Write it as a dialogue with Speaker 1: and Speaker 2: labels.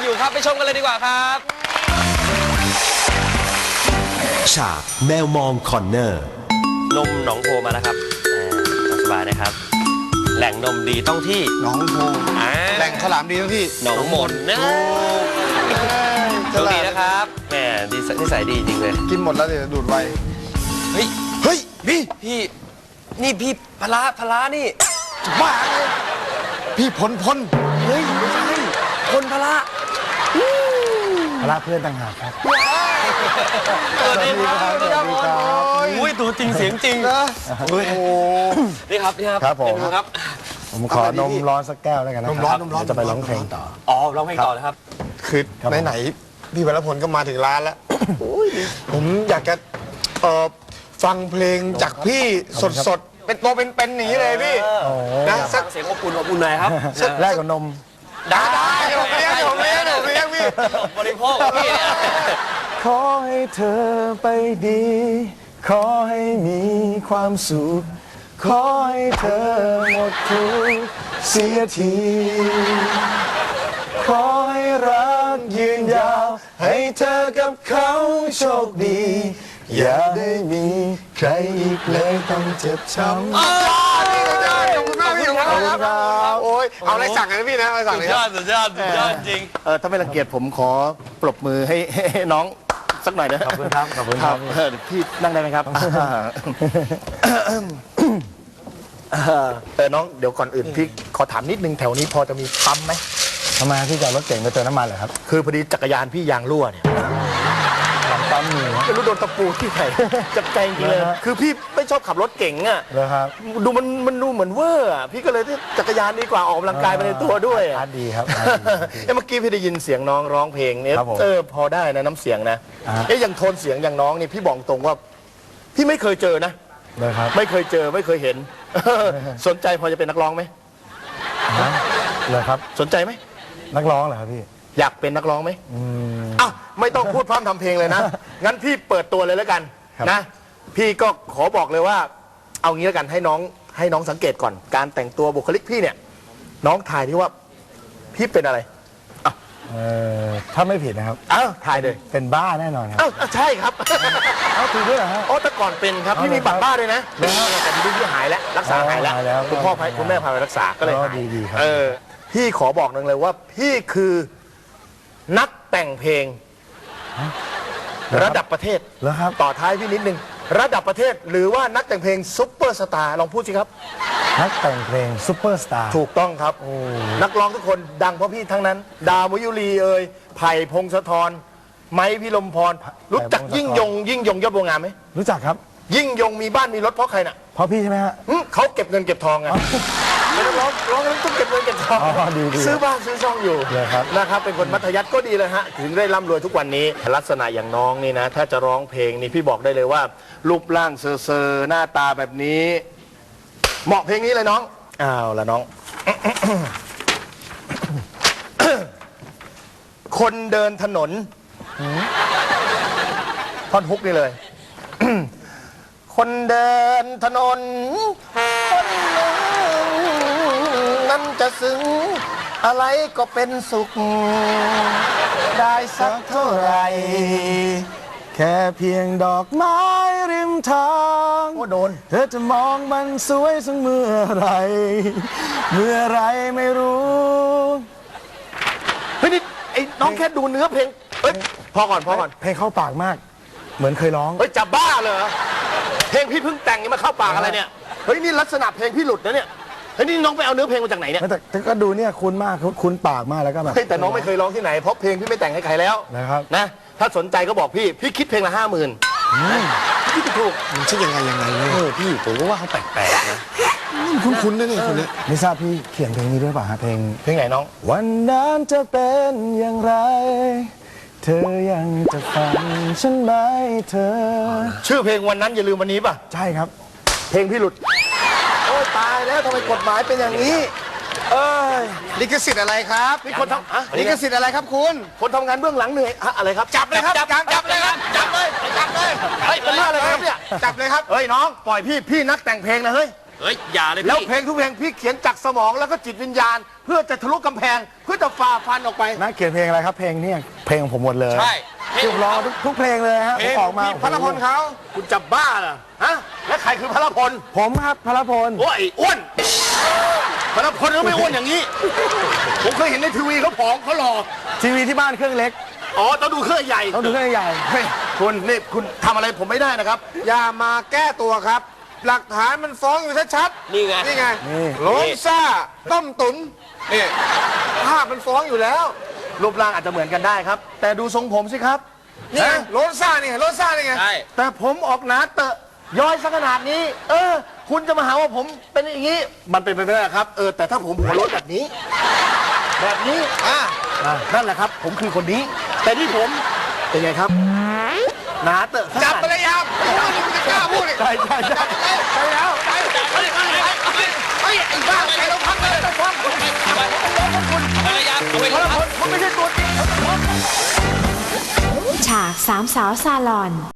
Speaker 1: อยู่ครับไปชมกันเลยดีกว่าครับ
Speaker 2: ฉากแมวมองคอนเนอร์
Speaker 1: นมหนองโพมาแล้วครับสบายนะครับแหล่งนมดีต้องที่
Speaker 3: หนองโพแหล่งข้าวหลามดีทั้งที่
Speaker 1: หนองมนนะโชคดีนะครับแหมนิสัยดีจริงเลย
Speaker 3: กินหมดแล้วเดี๋ยวดูดไว
Speaker 1: เฮ้ยพี่นี่พี่พลานี่
Speaker 3: บ้าเลยพี่พล
Speaker 1: เฮ้ยไม่ใช่คนพลา
Speaker 3: เพื่อนต่างหากครับ
Speaker 1: สวัสดีครับอุ้ยตัวจริงเสียงจริงนะโอ้นี่ครับ
Speaker 3: ผมขอนมร้อนสักแก้วแล้วกันนะครับนมร้อนจะไปร้องเพลงต่อ
Speaker 1: ร้องเพลงต่อนะครับ
Speaker 3: คือไหนพี่วรพลก็มาถึงร้านแล้วผมอยากจะฟังเพลงจากพี่สดเป็นตัวเป็นๆอย่างนี้เลยพี่
Speaker 1: นะสักเสียงอบอุ่นหน่อยครับ
Speaker 3: แรกกับนมได้ผมเลี้ยงพี่
Speaker 1: บริโภคพี่เนี่ย
Speaker 3: ขอให้เธอไปดีขอให้มีความสุขขอให้เธอหมดทุกข์เสียทีขอให้รักยืนยาวให้เธอกับเขาโชคดีอย่าได้มีใครอีกเลยต้องเจ็บช้ำขอบคุณมากพี่ครับโอ้ยเอาอะไรสั่งกันพี่นะอะไรสั่งเลย
Speaker 1: สุดยอดจริง
Speaker 3: ถ้าไม่รังเกียจผมขอปรบมือให้น้องสักหน่อยนะขอบคุณครับพี่นั่งได้ไหมครับน้องเดี๋ยวก่อนอื่นพี่ขอถามนิดนึงแถวนี้พอจะมีปั๊มไหมทำไมพี่จะรถเก่งไปเติมน้ำมันเหรอครับคือพอดีจักรยานพี่ยางรั่วเนี่ยหลังปั๊มมีไม่รู้โดนตะปูที่ไหนจับใจจริงเลยคือพี่ไม่ชอบขับรถเก่งอ่ะครับดูมันดูเหมือนเวอร์พี่ก็เลยจักรยานดีกว่าออกกำลังกายไปในตัวด้วยดีครับเมื่อกี้พี่ได้ยินเสียงน้องร้องเพลงเนี่ยพอได้นะน้ำเสียงนะอย่างโทนเสียงอย่างน้องนี่พี่บอกตรงว่าพี่ไม่เคยเจอนะไม่เคยเจอไม่เคยเห็นสนใจพอจะเป็นนักร้องไหมเลยครับสนใจไหมนักร้องเหรอครับพี่อยากเป็นนักร้องไหมไม่ต้องพูดพร่ำทำเพลงเลยนะงั้นพี่เปิดตัวเลยแล้วกันนะพี่ก็ขอบอกเลยว่าเอางี้แล้วกันให้น้องสังเกตก่อนการแต่งตัวบุคลิกพี่เนี่ยน้องถ่ายที่ว่าพี่เป็นอะไรถ้าไม่ผิดนะครับถ่ายเลยเป็นบ้าแน่นอนครับใช่ครับถูกด้วยเหรอฮะแต่ก่อนเป็นครับพี่มีบัตรบ้าด้วยนะแต่พี่หายแล้วรักษาหายแล้วคุณพ่อคุณแม่พาไปรักษาก็เลยหายดีครับพี่ขอบอกหนึ่งเลยว่าพี่คือนักแต่งเพลงระดับประเทศต่อท้ายพี่นิดนึงระดับประเทศหรือว่านักแต่งเพลงซุปเปอร์สตาร์ลองพูดสิครับนักแต่งเพลงซุปเปอร์สตาร์ถูกต้องครับนักร้องทุกคนดังเพราะพี่ทั้งนั้นดาวมยุรีไผ่พงศธรไม้พิรมพรรู้จักยิ่งยงยอดบัวงามไหมรู้จักครับยิ่งยงมีบ้านมีรถเพราะใครน่ะเพราะพี่ใช่ไหมฮะเขาเก็บเงินเก็บทองไงไม่ต้องร้องแล้วต้องเก็บเงินเก็บทองซื้อบ้านซื้อช่องอยู่นะครับเป็นคนมัธยัสถ์ก็ดีเลยฮะถึงได้ร่ำรวยทุกวันนี้ลักษณะอย่างน้องนี่นะถ้าจะร้องเพลงนี่พี่บอกได้เลยว่ารูปร่างเซอร์หน้าตาแบบนี้เหมาะเพลงนี้เลยน้องละน้อง คนเดินถนนท่อนฮุกนี่เลย คนเดินถนนคนหนึ่งนั้นจะซึ้งอะไรก็เป็นสุขได้สักเท่าไรแค่เพียงดอกไม้ริมทางโดนเธอจะมองมันสวยสักเมื่อไรไม่รู้เฮ้ยนี่ไอ้น้องแค่ดูเนื้อเพลงพอก่อนเพลงเข้าปากมากเหมือนเคยร้องจะบ้าเลยเพลงพี่เพิ่งแต่งยังมาเข้าปากอะไรเนี่ยเฮ้ยนี่ลักษณะเพลงพี่หลุดนะเนี่ยเฮ้ยนี่น้องไปเอาเนื้อเพลงมาจากไหนเนี่ยแต่ก็ดูเนี่ยคุ้นมากคุ้นปากมากแล้วก็แบบแต่น้องไม่เคยร้องที่ไหนเพราะเพลงพี่ไม่แต่งให้ใครแล้วนะครับนะถ้าสนใจก็บอกพี่คิดเพลงละ50,000พี่ถูกมันชื่อยังไงเนี่ยพี่ผมก็ว่าเขาแปลกๆนะคุ้นนะเนี่ยคนนี้ไม่ทราบพี่เขียนเพลงนี้ด้วยป่ะฮะเพลงไหนน้องวันนั้นจะเป็นอย่างไรเธอยังจะฟังฉันไหมเธอชื่อเพลงวันนั้นอย่าลืมวันนี้ป่ะใช่ครับเพลงพี่หลุดโอ้ตายแล้วทำไมกฎหมายเป็นอย่างนี้ลิขสิทธิ์อะไรครับมีคนทำลิขสิทธิ์อะไรครับคุณคนทำงานเบื้องหลังเหนื่อยอะไรครับจับเลยครับจับเลยเฮ้ยเป็นเรื่องอะไรครับเนี่ยจับเลยครับเฮ้ยน้องปล่อยพี่นักแต่งเพลงนะเฮ้ย
Speaker 1: เฮ้ยอย่าเลย
Speaker 3: แล้ว
Speaker 1: พี่
Speaker 3: เพลงทุกเพลงพี่เขียนจากสมองแล้วก็จิตวิญญาณ เพื่อจะทะลุกำแพง เพื่อจะฝ่าฟันออกไป
Speaker 4: นักเขียนเพลงอะไรครับเพลงเนี่ยเพลงของผมหมดเลย
Speaker 1: ใช่
Speaker 4: ที่ผมร้องทุกเพลงเลยฮะผมออกมา
Speaker 3: พระพลเขาคุณจะบ้าเหรอฮะและใครคือพระพล
Speaker 4: ผมครับพลพล
Speaker 3: โอ้ยอ้วนพระพลก็ไม่อ้วนอย่างนี้ ผมเคยเห็นในทีวีเขาผอมเขาหล่อ
Speaker 4: ทีวีที่บ้านเครื่องเล็ก
Speaker 3: อ๋อต้องดูเครื่องใหญ่
Speaker 4: ต้องดูเครื่องใหญ่
Speaker 3: เฮ้ยคุณนี่คุณทำอะไรผมไม่ได้นะครับ อย่ามาแก้ตัวครับ หลักฐานมันฟ้องอยู่ชัดๆ
Speaker 1: นี่ไง
Speaker 3: นี่ไง
Speaker 4: นี่
Speaker 3: โล้นซ่าต้มตุ๋นนี่ภาพมันฟ้องอยู่แล้ว รูปร่างอาจจะเหมือนกันได้ครับ แต่ดูทรงผมสิครับนี่ไงโล้นซ่านี่ไงโล้นซ่านี่ไง
Speaker 1: ใช่
Speaker 3: แต่ผมออกหนาเตอะย้อยซะขนาดนี้ คุณจะมาหาว่าผมเป็นอย่างนี้ มันเป็นไปไม่ได้ครับ แต่ถ้าผมหัวโล้นแบบนี้ แบบนี้นั่นแหละครับ ผมคือคนนี้ แต่ที่ผมเป็นไงครับหนาเตอะจับไปเลยครับคุณจะกล้าพูดเลย
Speaker 4: ใช่ใช่ใช่
Speaker 3: ไปแล้วไปไอ้บ้าใครเราพักเลยต้องพักคุณ
Speaker 1: ภรรยาเอาไว้
Speaker 3: พลพลคุณไม่ใช่ตัวจริง
Speaker 5: ฉากสามสาวซาลอน